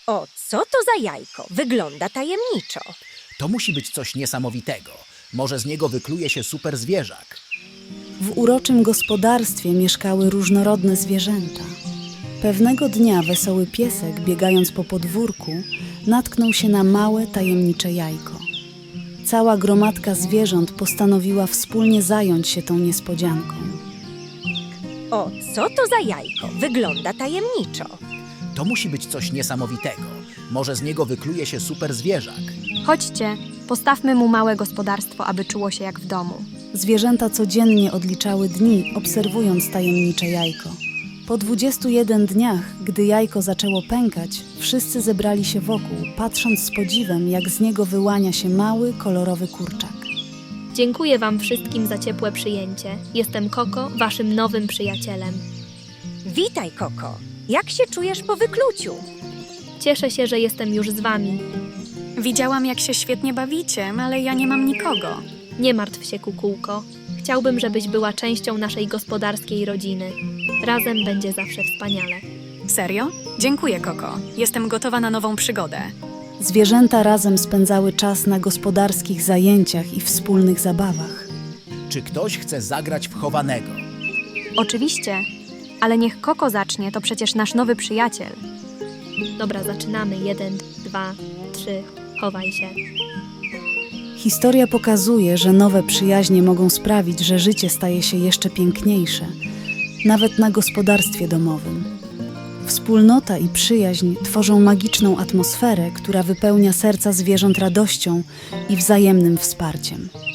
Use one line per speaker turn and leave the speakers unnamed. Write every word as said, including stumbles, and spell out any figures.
O, co to za jajko? Wygląda tajemniczo.
To musi być coś niesamowitego. Może z niego wykluje się super zwierzak.
W uroczym gospodarstwie mieszkały różnorodne zwierzęta. Pewnego dnia wesoły piesek, biegając po podwórku, natknął się na małe, tajemnicze jajko. Cała gromadka zwierząt postanowiła wspólnie zająć się tą niespodzianką.
O, co to za jajko? Wygląda tajemniczo.
To musi być coś niesamowitego. Może z niego wykluje się super zwierzak.
Chodźcie, postawmy mu małe gospodarstwo, aby czuło się jak w domu.
Zwierzęta codziennie odliczały dni, obserwując tajemnicze jajko. Po dwudziestu jeden dniach, gdy jajko zaczęło pękać, wszyscy zebrali się wokół, patrząc z podziwem, jak z niego wyłania się mały, kolorowy kurczak.
Dziękuję wam wszystkim za ciepłe przyjęcie. Jestem Koko, waszym nowym przyjacielem.
Witaj, Koko. Jak się czujesz po wykluciu?
Cieszę się, że jestem już z wami.
Widziałam, jak się świetnie bawicie, ale ja nie mam nikogo.
Nie martw się, kukułko. Chciałbym, żebyś była częścią naszej gospodarskiej rodziny. Razem będzie zawsze wspaniale.
Serio? Dziękuję, Koko. Jestem gotowa na nową przygodę.
Zwierzęta razem spędzały czas na gospodarskich zajęciach i wspólnych zabawach.
Czy ktoś chce zagrać w chowanego?
Oczywiście, ale niech Koko zacznie, to przecież nasz nowy przyjaciel.
Dobra, zaczynamy. Jeden, dwa, trzy. Chowaj się.
Historia pokazuje, że nowe przyjaźnie mogą sprawić, że życie staje się jeszcze piękniejsze, nawet na gospodarstwie domowym. Wspólnota i przyjaźń tworzą magiczną atmosferę, która wypełnia serca zwierząt radością i wzajemnym wsparciem.